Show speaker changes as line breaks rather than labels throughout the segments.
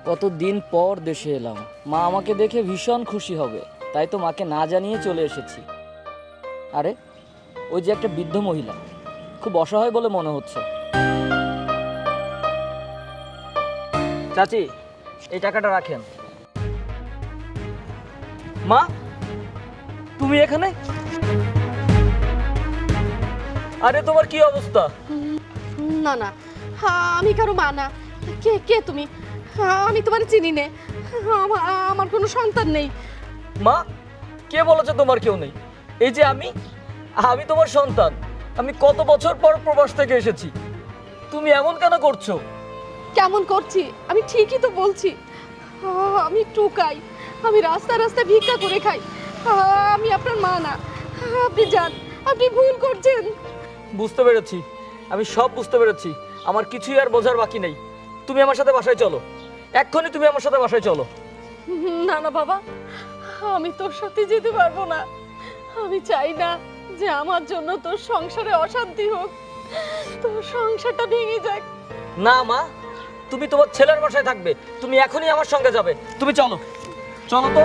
কতদিন পর দেশে এলাম, মা আমাকে দেখে ভীষণ খুশি হবে, তাই তো মাকে না জানিয়ে চলে এসেছি। আরে ওই যে একটা বৃদ্ধ মহিলা, খুব অসহায় বলে মনে হচ্ছে। চাচি, এই টাকাটা রাখেন। মা, তুমি এখানে? আরে তোমার কি অবস্থা?
না না, আমি কারো মা না। কে কে তুমি? আমি তোমার চিনি নে। আমার কোনো সন্তান নেই।
মা, কে বলেছে তোমার কেউ নেই? এই যে আমি আমি তোমার সন্তান। আমি কত বছর পর প্রবাস থেকে এসেছি, তুমি এমন কেন করছো?
কেমন করছি? আমি ঠিকই তো বলছি। আমি টুকাই, আমি রাস্তা রাস্তা ভিক্ষা করে খাই। আমি আপনার মা না। আপনি যান, আপনি ভুল করছেন।
বুঝতে পেরেছি, আমি সব বুঝতে পেরেছি। আমার কিছুই আর বোঝার বাকি নেই। তুমি আমার সাথে বাসায় চলো, এক্ষুনি তুমি আমার সাথে বাসায় চলো।
না না বাবা, আমি তোর সাথে যেতে পারবো না। আমি চাই না যে আমার জন্য তোর সংসারে অশান্তি হোক, তোর সংসারটা ভেঙে যাক।
না মা, তুমি তোমার ছেলের বাসায় থাকবে। তুমি এখনই আমার সঙ্গে যাবে। তুমি চলো, চলো তো।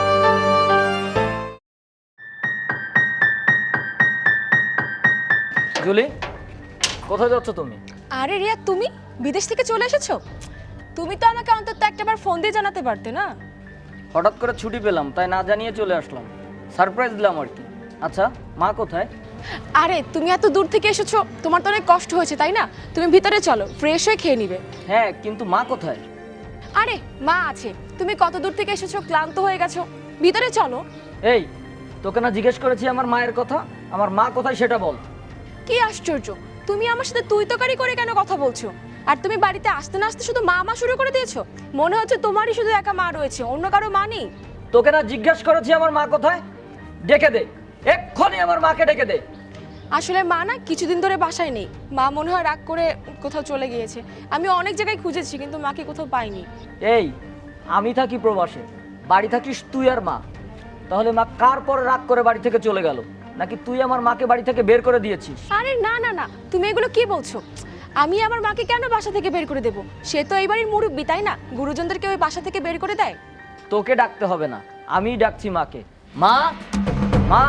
জুলি, কোথায় যাচ্ছ তুমি?
আরে রিয়া, তুমি বিদেশ থেকে চলে এসেছো? তুমি তো আমাকে অন্তত একটাবার ফোন দিয়ে জানাতে পারতে না?
হঠাৎ করে ছুটি পেলাম, তাই না জানিয়ে চলে আসলাম। সারপ্রাইজ দিলাম আর কি। আচ্ছা, মা কোথায়?
আরে তুমি এত দূর থেকে এসেছো, তোমার তো অনেক কষ্ট হয়েছে তাই না? তুমি ভিতরে চলো, ফ্রেশ হয়ে খেয়ে নিবে।
হ্যাঁ, কিন্তু মা কোথায়?
আরে মা আছে, তুমি কত দূর থেকে এসেছো, ক্লান্ত হয়ে গেছো, ভিতরে চলো।
এই, তোকে না জিজ্ঞেস করেছি আমার মায়ের কথা? আমার মা কোথায় সেটা বল।
কি আশ্চর্য, তুমি আমার সাথে তুই তকারি করে কেন কথা বলছো? আর তুমি বাড়িতে আসতে না আসতে শুধু মা মা শুরু করে দিয়েছো। মনে হচ্ছে তোমারই শুধু একা মা রয়েছে, অন্য কারো মা নেই।
তোকে না জিজ্ঞেস করেছি আমার মা কোথায়? ডেকে দে, এক্ষুনি আমার মাকে ডেকে দে।
আসলে মা না কিছুদিন ধরে বাসায় নেই। মা মনে হয় রাগ করে কোথাও চলে গিয়েছে। আমি অনেক জায়গায় খুঁজেছি কিন্তু মাকে কোথাও পাইনি।
এই, আমি থাকি প্রবাসে, বাড়ি থাকিস তুই আর মা। তাহলে মা কার পর রাগ করে বাড়ি থেকে চলে গেল? নাকি তুই আমার মাকে বাড়ি থেকে বের করে দিয়েছিস?
আরে না না না, তুমি এগুলো কি বলছো? আমি আমার মাকে কেন বাসা থেকে বের করে দেব? সে তো এই বাড়ির মুরব্বি তাই না? গুরুজনদেরকে ওই বাসা থেকে বের করে দেয়?
তোকে ডাকতে হবে না, আমিই ডাকছি মাকে। মা, মা।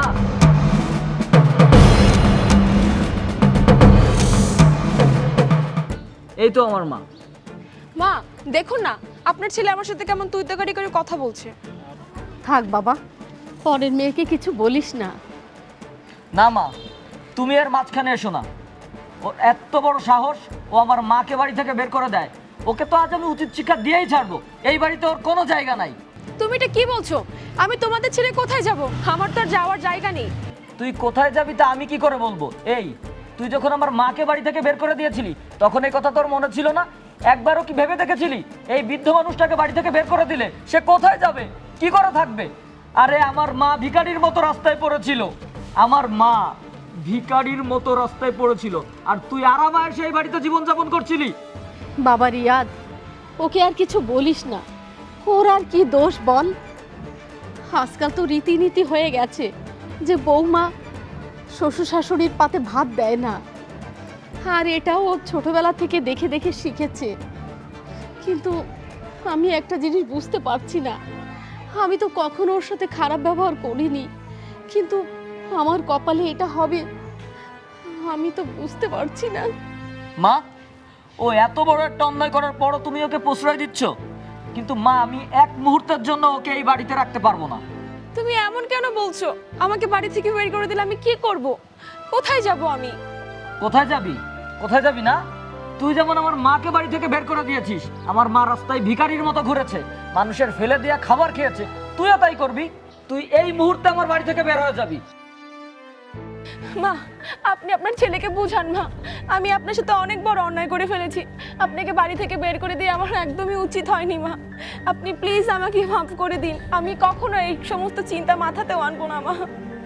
এই তো আমার মা।
মা দেখুন না, আপনার ছেলে আমার সাথে কেমন তুই তকারি করে কথা বলছে।
থাক বাবা, পরের মেয়েকে কিছু বলিস না।
না মা, তুমি এর মাঝখানে এসো না। ওর এত বড় সাহস, ও আমার মাকে বাড়ি থেকে বের করে দেয়। ওকে তো আজ আমি উচিত শিক্ষা দিয়েই ছাড়বো। এই বাড়িতে ওর কোনো জায়গা নাই।
তুমি এটা কি বলছো? আমি তোমাদের ছেড়ে কোথায় যাব? আমার তো আর যাওয়ার জায়গা নেই।
তুই কোথায় যাবি তা আমি কি করে বলবো? এই, তুই যখন আমার মাকে বাড়ি থেকে বের করে দিয়েছিলি, তখন এই কথা তোর মনে ছিল না? একবারও কি ভেবে দেখেছিলি এই বৃদ্ধ মানুষটাকে বাড়ি থেকে বের করে দিলে সে কোথায় যাবে, কি করে থাকবে? আরে আমার মা ভিখারির মতো রাস্তায় পড়েছিল। আমার মা ভিখারির মতো রাস্তায় পড়েছিল, আর তুই আরামায় সেই বাড়িতে জীবনযাপন করছিলি।
বাবা রিয়াদ, ওকে আর কিছু বলিস না। ওর আর কি দোষ বল? আজকাল তো রীতিনীতি হয়ে গেছে যে বৌমা শ্বশুর শাশুড়ির পাতে ভাত দেয় না। আর এটাও ও ছোটবেলা থেকে দেখে দেখে শিখেছে। কিন্তু আমি একটা জিনিস বুঝতে পারছি না, আমি তো কখনো ওর সাথে খারাপ ব্যবহার করিনি, কিন্তু আমার কপালে এটা হবে আমি তো বুঝতে পারছি না।
মা, ও এত বড় একটা অন্যায় করার পরও তুমি ওকে প্রশ্রয় দিচ্ছ? কিন্তু মা, আমি এক মুহূর্তের জন্য ওকে এই বাড়িতে রাখতে পারবো না।
তুমি এমন কেন বলছো? আমাকে বাড়ি থেকে বের করে দিলে আমি কি করব? কোথায় যাব আমি?
কোথায় যাবি? কোথায় যাবি না? তুই যেমন আমার মাকে বাড়ি থেকে বের করে দিয়েছিস, আমার মা রাস্তায় ভিখারির মতো ঘুরেছে, মানুষের ফেলে দেয়া খাবার খেয়েছে, তুইও তাই করবি। তুই এই মুহূর্তে আমার বাড়ি থেকে বের হয়ে যাবি।
মা, আপনি আপনার ছেলেকে বুঝান মা। আমি আপনার সাথে অনেক বড় অন্যায় করে ফেলেছি। আপনাকে বাড়ি থেকে বের করে দিয়ে আমার একদমই উচিত হয়নি মা। আপনি প্লিজ আমাকে মাফ করে দিন। আমি কখনো এই সমস্ত চিন্তা মাথাতেও আনবো না মা।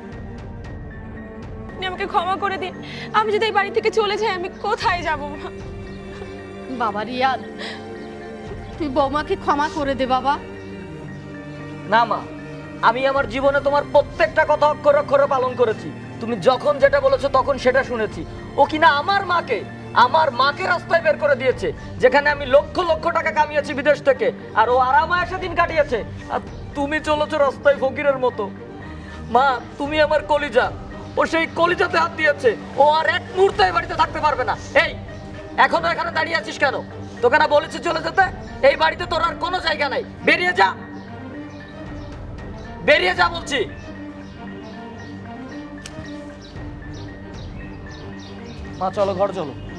আপনি আমাকে ক্ষমা করে দিন। আমি যদি এই বাড়ি থেকে চলে যাই আমি কোথায় যাব মা?
বাবা রিয়াদ, তুই বৌমাকে ক্ষমা করে দে বাবা।
না মা, আমি আমার জীবনে তোমার প্রত্যেকটা কথা অক্ষরে অক্ষরে পালন করেছি। তুমি যখন যেটা বলেছো তখন সেটা শুনেছি। ও কিনা আমার মাকে আমার মাকে রাস্তায় বের করে দিয়েছে, যেখানে আমি লক্ষ লক্ষ টাকা কামিয়েছি বিদেশ থেকে, আর ও আরামায়েশে দিন কাটিয়েছে। আর তুমি চলেছো রাস্তায় ফকিরের মতো। মা, তুমি আমার কলিজা, ও সেই কলিজাতে হাত দিয়েছে। ও আর এক মুহূর্তে এই বাড়িতে থাকতে পারবে না। এই, এখনো এখানে দাঁড়িয়ে আছিস কেন? তোকে না বলেছি চলে যেতে? এই বাড়িতে তোর আর কোনো জায়গা নাই, বেরিয়ে যা, বেরিয়ে যা বলছি। মা চলো, ঘর চলো।